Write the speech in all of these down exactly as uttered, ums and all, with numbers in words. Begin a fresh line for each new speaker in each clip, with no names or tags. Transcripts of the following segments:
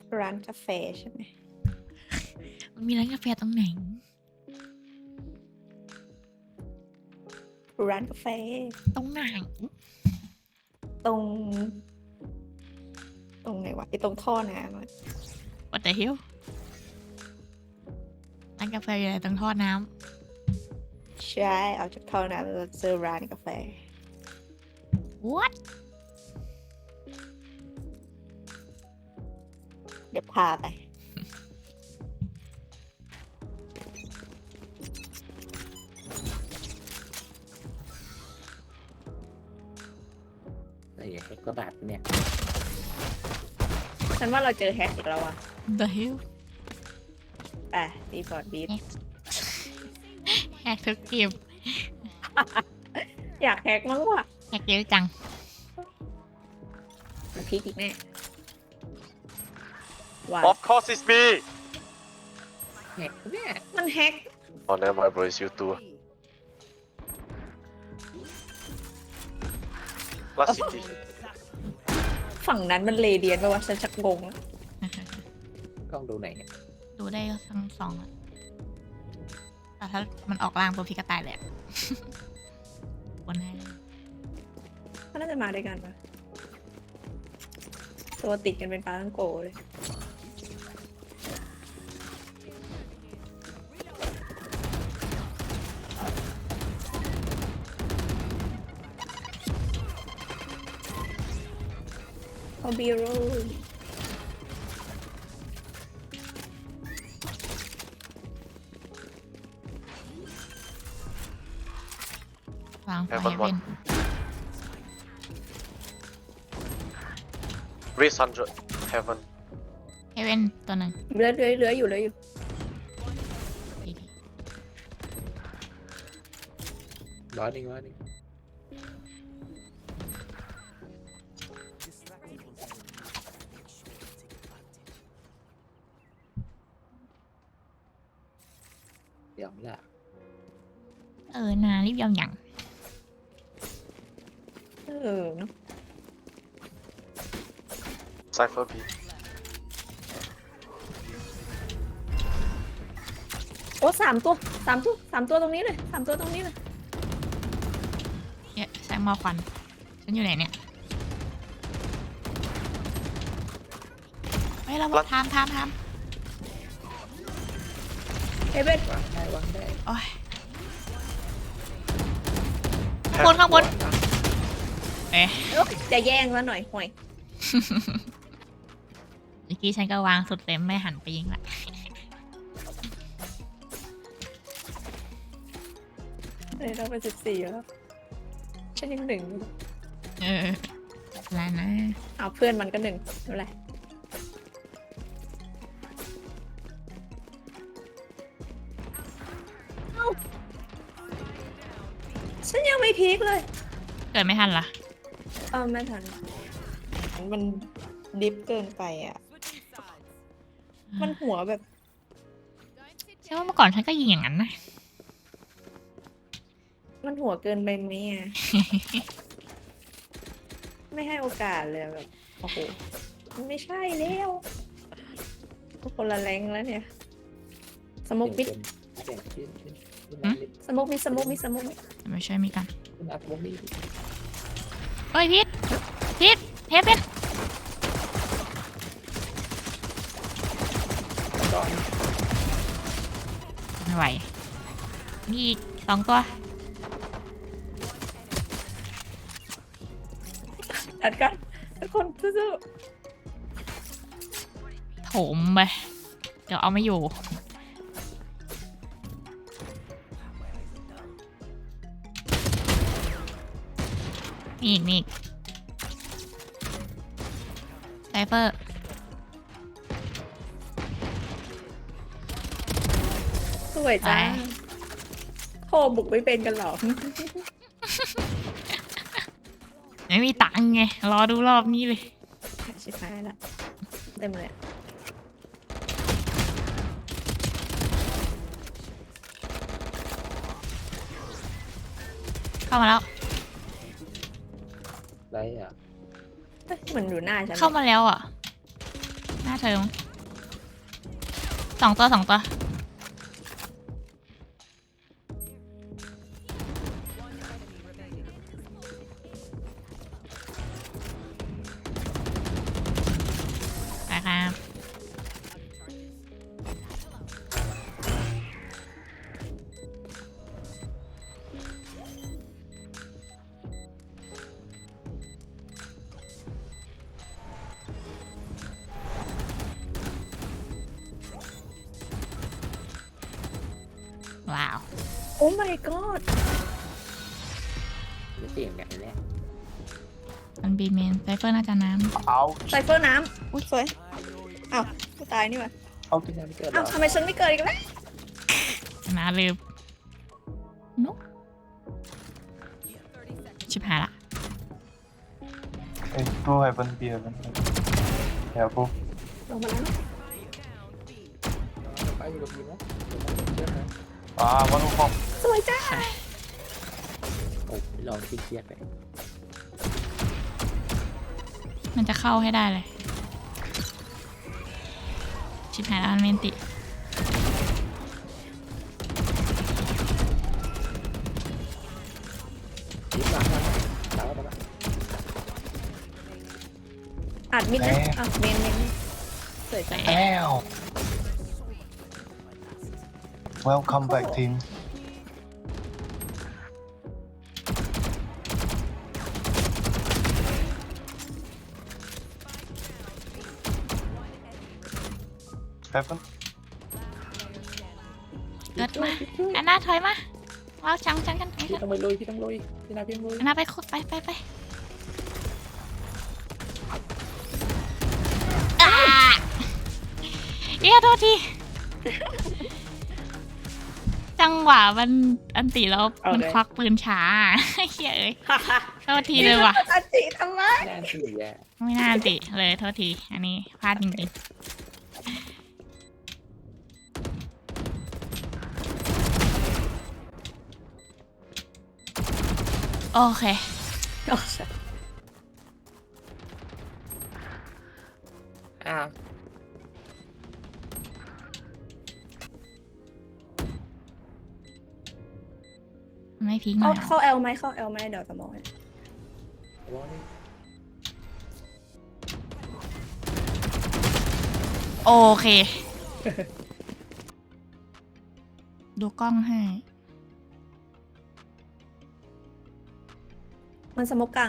ร้านกาแฟใช่ไหม
มันมีร้านกาแฟตรงไหน
ร้านกาแฟ
ตรงไหน
ตรง ตรงไหนวะไอตรงท่อน้ำอะ
What the hell ร้านกาแฟอยู่ไหนตรงท่อน้
ใช่เอาจากท่อน้ำแล้วเจอร้านกาแฟ
ำ What
เดี๋ยวพาไป
ไอ้แฮกก็ดัดเนี่ย
ฉันว่าเราเจอแฮกอีกแล้วอะ
The hell
อ่ะดีฟอร์ดบีท
แฮกทุกเกม
อยากแฮกมั้งวะ
แฮกเยอะจัง
มันพีคอีกแน่ว้า
Of course it's me.
แฮกเนี่ย
มันแฮก
Oh, never mind, bro. It's you too. Last city.
ฝั่งนั้นมันเลเดียนป่าวะฉันชักงงแล้ว
กล้องดูไหนเนี่ย
ดูได้ทั้งสองอะแต่ถ้ามันออกล่างปุ๊บพี่ก็ตายแหละ บนให้เลย
เขาน่าจะมาด้วยกันปะตัวติดกันเป็นปลาทั้งโกเลยเอาบีโร่
วางไฟ
Heaven
เว้น
one. Raise hundred. Heaven.
เฮเว่นตัวหนึ่ง
เหลือเหลือเหลืออยู่เหลืออยู่
ดีดี
ร้อยหนึ่งร้อยหนึ่งเดี๋ยวละ
เออนารีบยอมหยัง
เออเนาะ
Cypher B.
โอ้สามตัวสามตัวสามตัวตรงนี้เลยสามตัวตรงนี้เลย
เนี่ยแซงมอควันฉันอยู่ไหนเนี่ยเฮ้ยเราบอกทามทามทาม
เอเว่น
วางได้วางได้
โอ้ยข้างบนข้างบนเอ๊ะ
จะแย่งแล้วหน่อยห่วย
เมื่อกี้ฉันก็วางสุดเต็มไม่หันไปยิงละ
เลยเราเป็นสิบสี่แล้วฉันยังหนึ่ง
เออแล้วนะ
เอาเพื่อนมันก็หนึ่งไม่เป็นไรเอ้าฉันยังไม่พีคเลย
เกิดไม่ทันละ
เออไม่ทันมันดิฟเกินไปอ่ะ มันหัวแบบ
ใช่ว่าเมื่อก่อนฉันก็ยิงอย่างนั้นนะ
มันหัวเกินไปไหมอ่ะ ไม่ให้โอกาสเลยแบบโอ้โหมันไม่ใช่แล้วคนละแรงแล้วเนี่ย สมุกมิด
เสียงขึ้นขึ้นขึ้น
หืม
สมุกมิดสมุกมิดสมุกมิด
ไม่ใช่วยมีกัน
ขึ้นอัพวงนี้
เฮ้ยพีทพีทเทปเป็น
ก่อน
ไม่ไหวมีอีกสองตัว
อัดกันทุกคนสู้
โถมไปเดี๋ยวเอาไม่อยู่มีอีกมีอีกไซเฟอร์
ๆสวยจ้า
ไป
โทรบุกไม่เป็นกันหรอ
ไม่มีตังค์ไง รอดูรอบนี้เลย
ชิบหายละเต็มเลย
เข้ามาแล้ว
ไรอ่ะ
เอ้ยเหมือนอยู่หน้าฉัน
เข้ามาแล้วอ่ะ ไหนน้าเธอมั้งสองตัวสองตัวไปครับว้าว
โอ้ my god
ไม่เสี่ยงกันแน่
มันบีเมนไซเฟอร์น่าจะน้
ไซเฟอร์น้ำอุ้ยสวยอ้าวกูตายนี่หว่า
เอาที่นั่นเกิด
อ้าวทำไมฉันไม่เกิดอีกแล้ว
ำนาลืมนุ๊กชิบหายละ
Hey, go heaven, be heaven. Yeah, go.
ลงมาแล้ว
ไปอยู่กับพีนะเดี๋ยวมันเชื่อนะ
Ah, one who pop.
สวยจ้า
โอ้ยลองเครียดๆไป
มันจะเข้าให้ได้เลย ชิบหายแล้วมันเมนติ
ยิ้มหลังนะตามมาตามมา
อัดมิดนะ
แหม
อ่ะเมนเมนสวยจ้า
Ow! Welcome back, team. Heaven.
เกิดมาอันน่าถอยมาว้าวจังจังกันไป
พี่ต้องไปลุยพี่ต้องลุยพี่นาพี่ต้องลุย
อันน่าไปคุดไปไปไปอ่าเอี้ยโทษที จังหวะมันอันติแล้วมันควักปืนช้า เฮ้ยเอ้ยโทษทีเลยว่ะ
อัดจิทำไม
แน่นสื่อแย่
ไม่น่าอันติเลยโทษที อันนี้พลาดจริงๆ โอเค
อ้าว
ไม่พีกหน่
เข้า
อยเหรอ
เข้าเอลไหมเข้าเอลไหมเดี๋ยวจะมองให้
ร้อนนี่
โอเค ดูกล้องให้
มันสมกกลาง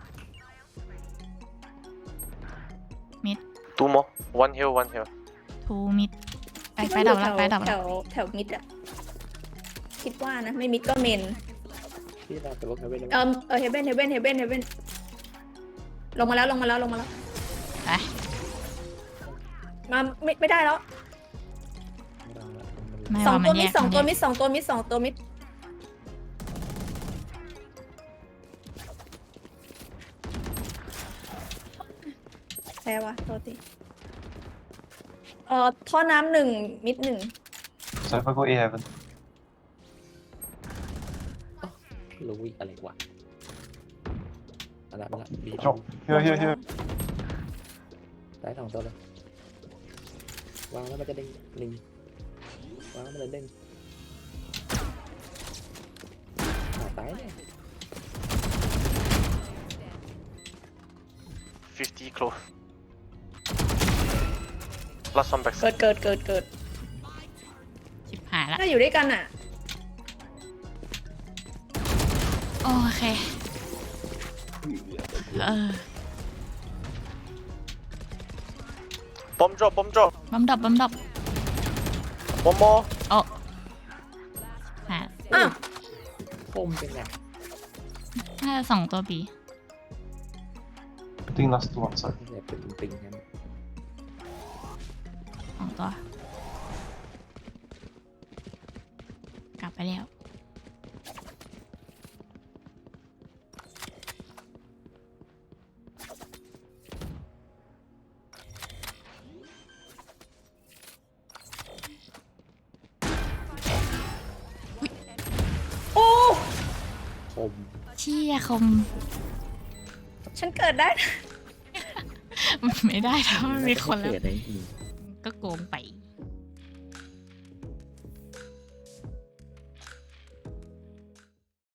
มิด
Two more. One here, one here.
ทูมิด ไปไปดับแล้วไปดับ
แถ
แล้ว
วแถวมิดอะคิดว่านะ ไม่มิดก็เมน
พี่นาแต่ว่าเขาไม่ได้
เออเออเฮเบนเฮเบนเฮเบนเฮเบนลงมาแล้วลงมาแล้วลงมาแล้ว
ไป
มาไม่ไม่ได้แล้ว
ไม่
สอง
ว่ามั
ตัวน
แย
มิด
ก
สอง
มัน
ตัว
แย
มิ
ก
ดสองตัวมิดสองตัวมิดแพ้วะโทษทีเอ่อท่อน้ำหนึ่งมิดหนึ่ง
Cypher, go A heaven.
ลุยอะไรวะอะไรมาละบี
Drop. Here, here, here.
ได้สองตัวเลยวางแล้วมันจะเด้งลิงวางแล้วมันจะเด้งหาตายเนี่ย
Fifty close. Last one
เกิ
backside.
ดเกิดเกิดเกิด
ชิบหายละ
ถ้าอยู่ด้วยกันอ่ะ
โอเค เออ
Bomb drop, bomb drop.
บัมดับบัมดับ
One more.
โอ้หา
อ้าว
คมเป็นไง
น่าจะสองตัวบี
I think last two on side.
เนี่ยเป็นปิงกัน
สองตัว กลับไปแล้ว
โอ้
คม
เชี่ยคม
ฉันเกิดได้นะ
ไม่ได้ถ้ามันมีคนแล้ว
เกิดอะไรอืม
ก็โกงไป